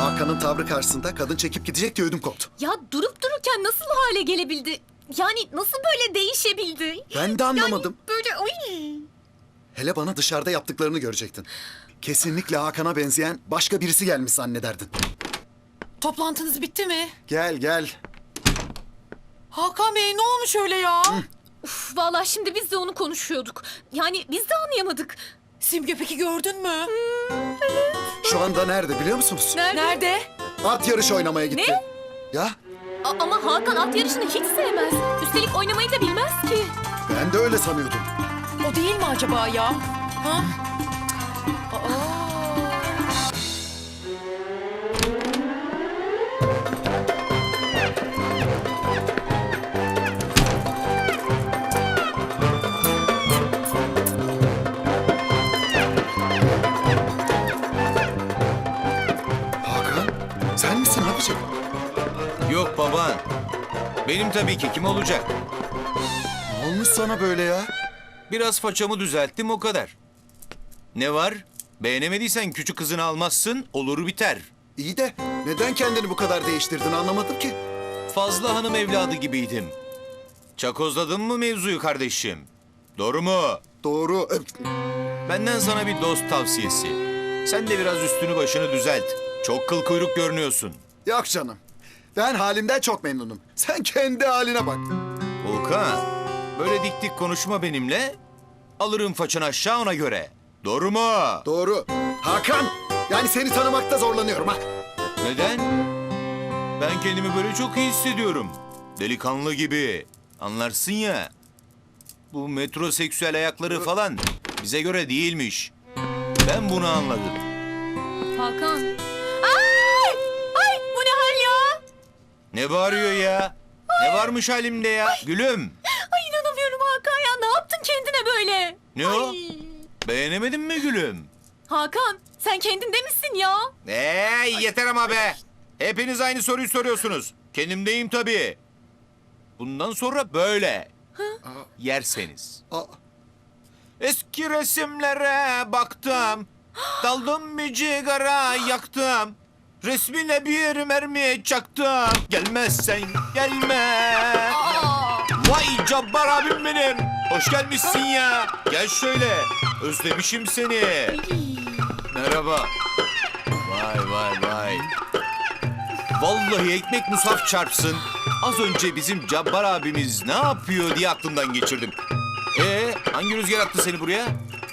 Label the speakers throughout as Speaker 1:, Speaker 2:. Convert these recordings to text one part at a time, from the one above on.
Speaker 1: Hakan'ın tavrı karşısında kadın çekip gidecek diye ödüm koptu.
Speaker 2: Ya durup dururken nasıl bu hale gelebildi? Yani nasıl böyle değişebildi?
Speaker 1: Ben de anlamadım.
Speaker 2: Yani böyle ay.
Speaker 1: Hele bana dışarıda yaptıklarını görecektin. Kesinlikle Hakan'a benzeyen başka birisi gelmiş zannederdin.
Speaker 3: Toplantınız bitti mi?
Speaker 1: Gel gel.
Speaker 3: Hakan Bey ne olmuş öyle ya?
Speaker 2: Uf, vallahi şimdi biz de onu konuşuyorduk. Yani biz de anlayamadık.
Speaker 3: Simge peki gördün mü?
Speaker 1: Şu anda nerede biliyor musunuz?
Speaker 3: Nerede?
Speaker 1: At yarışı oynamaya gitti.
Speaker 2: Ne?
Speaker 1: Ya
Speaker 2: Ama Hakan at yarışını hiç sevmez. Üstelik oynamayı da bilmez ki.
Speaker 1: ben de öyle sanıyordum.
Speaker 3: O değil mi acaba ya? Ha? Aa.
Speaker 1: Hakan sen misin abicim?
Speaker 4: Yok baban. Benim tabii ki, kim olacak?
Speaker 1: Ne olmuş sana böyle ya?
Speaker 4: Biraz façamı düzelttim, o kadar. Ne var? Beğenemediysen küçük kızını almazsın, olur biter.
Speaker 1: İyi de neden kendini bu kadar değiştirdin anlamadım ki.
Speaker 4: Fazla hanım evladı gibiydim. Çakozladın mı mevzuyu kardeşim? Doğru mu?
Speaker 1: Doğru.
Speaker 4: Benden sana bir dost tavsiyesi. Sen de biraz üstünü başını düzelt. Çok kıl kuyruk görünüyorsun.
Speaker 1: Yok canım. Ben halimden çok memnunum. Sen kendi haline bak.
Speaker 4: Volkan, böyle dik dik konuşma benimle. Alırım façanı aşağı ona göre. Doğru mu?
Speaker 1: Doğru. Hakan, yani seni tanımakta zorlanıyorum ha.
Speaker 4: Neden? Ben kendimi böyle çok iyi hissediyorum. Delikanlı gibi. Anlarsın ya. Bu metroseksüel ayakları falan bize göre değilmiş. Ben bunu anladım.
Speaker 2: Hakan. Ay! Ay bu ne hal ya?
Speaker 4: Ne bağırıyor ya? Ne varmış halimde ya? Gülüm.
Speaker 2: Ay inanamıyorum Hakan ya. Ne yaptın kendine böyle?
Speaker 4: Ne o?
Speaker 2: Ay.
Speaker 4: Beğenemedin mi gülüm?
Speaker 2: Hakan sen kendinde misin ya?
Speaker 4: Yeter ama be. Hepiniz aynı soruyu soruyorsunuz. Kendimdeyim tabii. Bundan sonra böyle. Yerseniz.
Speaker 1: Aa,
Speaker 4: Eski resimlere baktım. Daldım bir cigara yaktım. Resmine bir mermi çaktım. Gelmezsen gelme. Vay Cabbar abim benim. Hoş gelmişsin ya. Gel şöyle. Özlemişim seni. Merhaba. Vay vay vay. Vallahi ekmek musaf çarpsın. Az önce bizim Cabbar abimiz ne yapıyor diye aklımdan geçirdim. Hangi rüzgar attı seni buraya?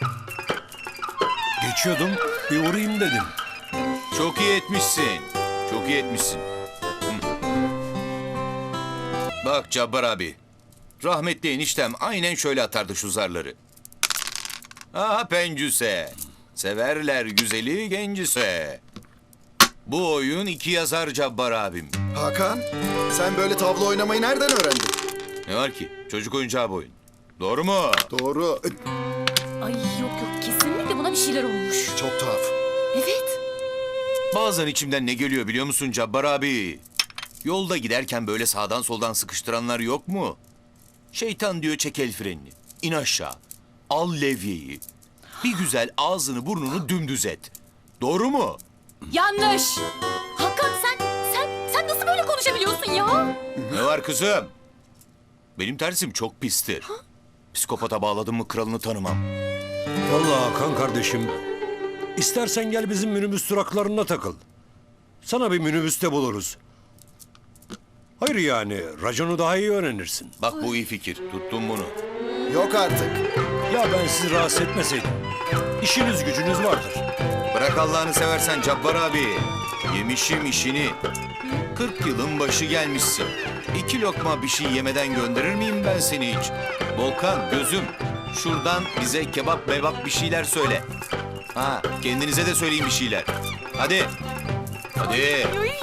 Speaker 5: Geçiyordum, bir uğrayayım dedim.
Speaker 4: Çok iyi etmişsin. Çok iyi etmişsin. Hı. Bak Cabbar abi. Rahmetli eniştem aynen şöyle atardı şu zarları. Aha pencüse. Severler güzeli gencise. Bu oyun iki yazar Cabbar abim.
Speaker 1: Hakan, sen böyle tablo oynamayı nereden öğrendin?
Speaker 4: Ne var ki? Çocuk oyuncağı bu oyun. Doğru mu?
Speaker 1: Doğru.
Speaker 2: Ay yok yok kesinlikle buna bir şeyler olmuş.
Speaker 1: Çok tuhaf.
Speaker 2: Evet.
Speaker 4: Bazen içimden ne geliyor biliyor musun Cabbar abi? Yolda giderken böyle sağdan soldan sıkıştıranlar yok mu? Şeytan diyor çek el frenini. İn aşağı. Al levyeyi. Bir güzel ağzını burnunu dümdüz et. Doğru mu?
Speaker 2: Yanlış. Hakan sen nasıl böyle konuşabiliyorsun ya?
Speaker 4: Ne var kızım? Benim tersim çok pistir. Psikopata bağladım mı kralını tanımam.
Speaker 5: Vallahi Hakan kardeşim, istersen gel bizim minibüs duraklarına takıl. Sana bir minibüste buluruz. Hayır yani, raconu daha iyi öğrenirsin.
Speaker 4: Bak bu iyi fikir. Tuttum bunu.
Speaker 1: Yok artık.
Speaker 5: Ya ben sizi rahatsız etmeseydim. İşiniz gücünüz vardır.
Speaker 4: Bırak Allah'ını seversen Cabbar abi. Yemişim işini. 40 yılın başı gelmişsin. 2 lokma bir şey yemeden gönderir miyim ben seni hiç? Volkan gözüm. Şuradan bize kebap mebap bir şeyler söyle. Ha kendinize de söyleyin bir şeyler. Hadi. Hadi.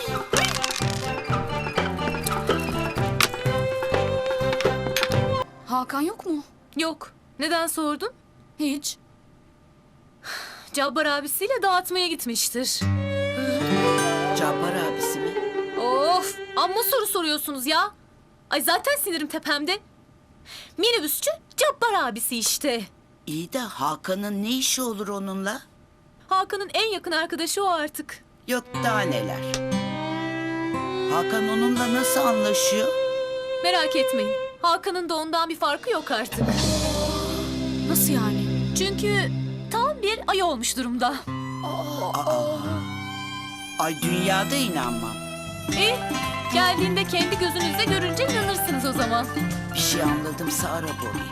Speaker 6: Hakan yok mu?
Speaker 2: Yok. Neden sordun?
Speaker 6: Hiç.
Speaker 2: Cabbar abisiyle dağıtmaya gitmiştir.
Speaker 7: Cabbar abisi mi?
Speaker 2: Of! Amma soru soruyorsunuz ya. Ay zaten sinirim tepemde. Minibüsçü Cabbar abisi işte.
Speaker 7: İyi de Hakan'ın ne işi olur onunla?
Speaker 2: Hakan'ın en yakın arkadaşı o artık.
Speaker 7: Yok daha neler. Hakan onunla nasıl anlaşıyor?
Speaker 2: Merak etmeyin. Hakan'ın da ondan bir farkı yok artık.
Speaker 3: Nasıl yani?
Speaker 2: Çünkü tam bir ay olmuş durumda.
Speaker 7: Ay dünyada inanmam.
Speaker 2: İyi. Geldiğinde kendi gözünüzle görünce inanırsınız o zaman.
Speaker 7: Bir şey anladımsa ara Bobby.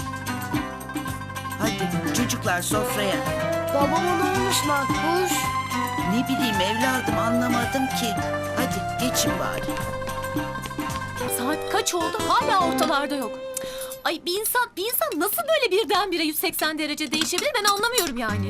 Speaker 7: Hadi çocuklar sofraya.
Speaker 6: Babama ne olmuş Makbuş?
Speaker 7: Ne bileyim evladım anlamadım ki. Hadi geçin bari.
Speaker 2: Saat kaç oldu hala ortalarda yok. Ay bir insan nasıl böyle birdenbire 180 derece değişebilir ben anlamıyorum yani.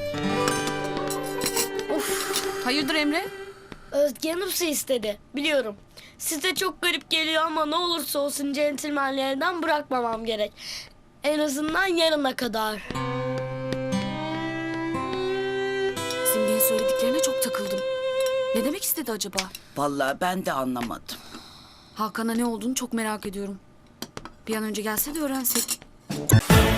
Speaker 3: Hayırdır Emre?
Speaker 6: Özge Hanım su istedi. Biliyorum. Size çok garip geliyor ama ne olursa olsun centilmenlerden bırakmamam gerek. En azından yarına kadar.
Speaker 3: Simge'nin söylediklerine çok takıldım. Ne demek istedi acaba?
Speaker 7: Vallahi ben de anlamadım.
Speaker 3: Hakan'a ne olduğunu çok merak ediyorum. Bir an önce gelse de öğrensek.